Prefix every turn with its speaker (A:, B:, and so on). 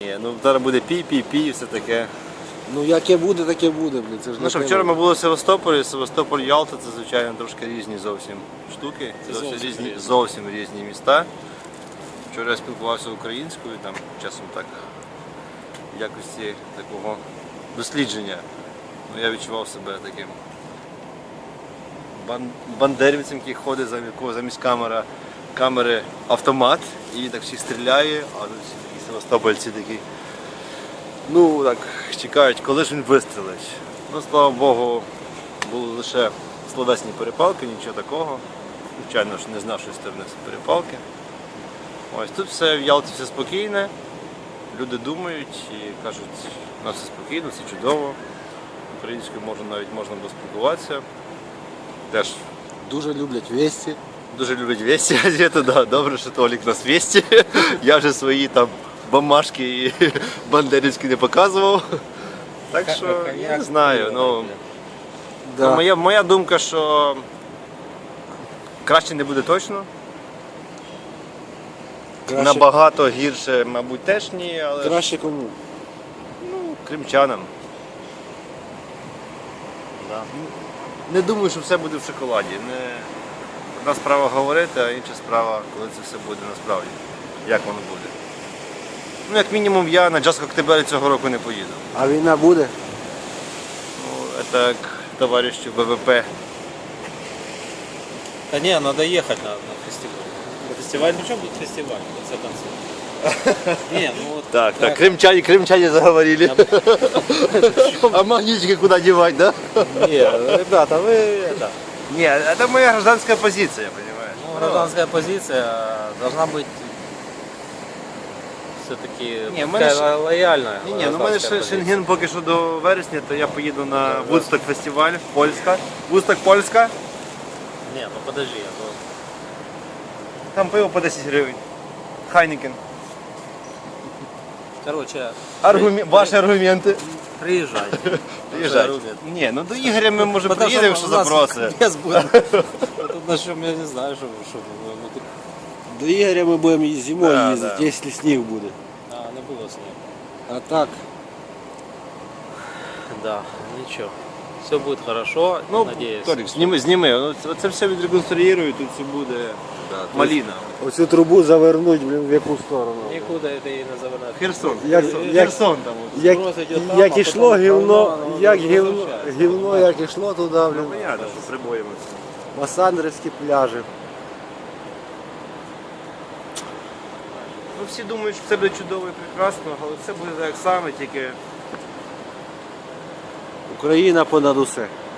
A: Ні, ну зараз буде пі і все таке.
B: Ну яке буде, таке буде, блін. Це ж
A: Ну що, вчора ми були в Севастополі, Севастополь, Ялта, це звичайно трошки різні зовсім штуки, це зовсім різні міста. Вчора я спілкувався українською, там часом так в якості такого дослідження. Ну, я відчував себе таким бандерівцем, який ходить замість камери автомат і так всі стріляє, а тут всі такі севастопольці такі. Ну так, чекають, коли ж він вистрілить. Ну, слава Богу, були лише словесні перепалки, нічого такого. Звичайно ж, не з нашої сторони це перепалки. Ось тут все в Ялті все спокійне, люди думають і кажуть, у нас все спокійно, все чудово. Українською навіть можна було спілкуватися. Теж
B: дуже люблять весті.
A: дуже люблять весті газети, да. Добре, що Толік нас весті. Я вже свої там бумажки і бандерівські не показував. Так що, я не знаю. Ну,
B: Да.
A: моя думка, що краще не буде точно.
B: Краще,
A: Набагато гірше, мабуть, теж ні, але ж,
B: краще кому?
A: ну, кримчанам. Да. Не думаю, що все буде в шоколаді. Одна справа говорити, а інша справа, коли це все буде насправді. Як воно буде. Ну, як мінімум, я на Джаз Коктебелі цього року не поїду.
B: А війна буде?
A: Ну, це як товаришу ВВП.
C: Да не, надо ехать на фестиваль. На фестиваль, причем тут фестиваль, в конце концов. Не, ну вот...
A: Так, крымчане заговорили. А магнитики куда девать, да?
C: Не, ребята, вы это...
A: Нет, это моя гражданская позиция, понимаешь?
C: Ну, гражданская позиция должна быть все-таки
A: Не, в мене
C: такая лояльная.
A: Ні, ну в мене ще Шенген поки що до вересня, то я поїду на Вудсток фестиваль, Польська. Вудсток Польська,
C: Не, ну подожди, ну...
A: там пиво по 10 гривень. Хайнекен.
C: Короче,
A: Ваші аргументи.
C: приезжайте.
A: Приїжджайте. Ні, ну до Ігоря ми може приїдемо, якщо запросить.
C: Без будет. Тут на чем, я не знаю, что ну, тут...
B: До Ігоря ми будемо і зимою
A: Да,
B: їздити,
A: да.
B: якщо сніг буде.
C: А, не было снега.
B: А так,
C: Да, ничего. Все будет хорошо,
A: Ну,
C: надеюсь.
A: Толік, зніми. Ну, це все відреконструюють, тут все буде маліна.
B: оцю трубу завернуть, блін, в яку сторону.
C: Никуда это и не завернуть.
A: Херсон.
B: Як-
A: Херсон там. От.
B: Як,
C: Спрос идет там,
B: як
C: а
B: ішло
C: потом
B: гівно,
C: воно
B: як
C: возвращається.
B: гівно, як ішло туди,
A: Ну,
B: блін,
A: понятно, що прибоїмо.
B: Масандрівські пляжі.
A: Ну, всі думають, що це буде чудово і прекрасно, але це буде так само, тільки
B: Україна понад усе.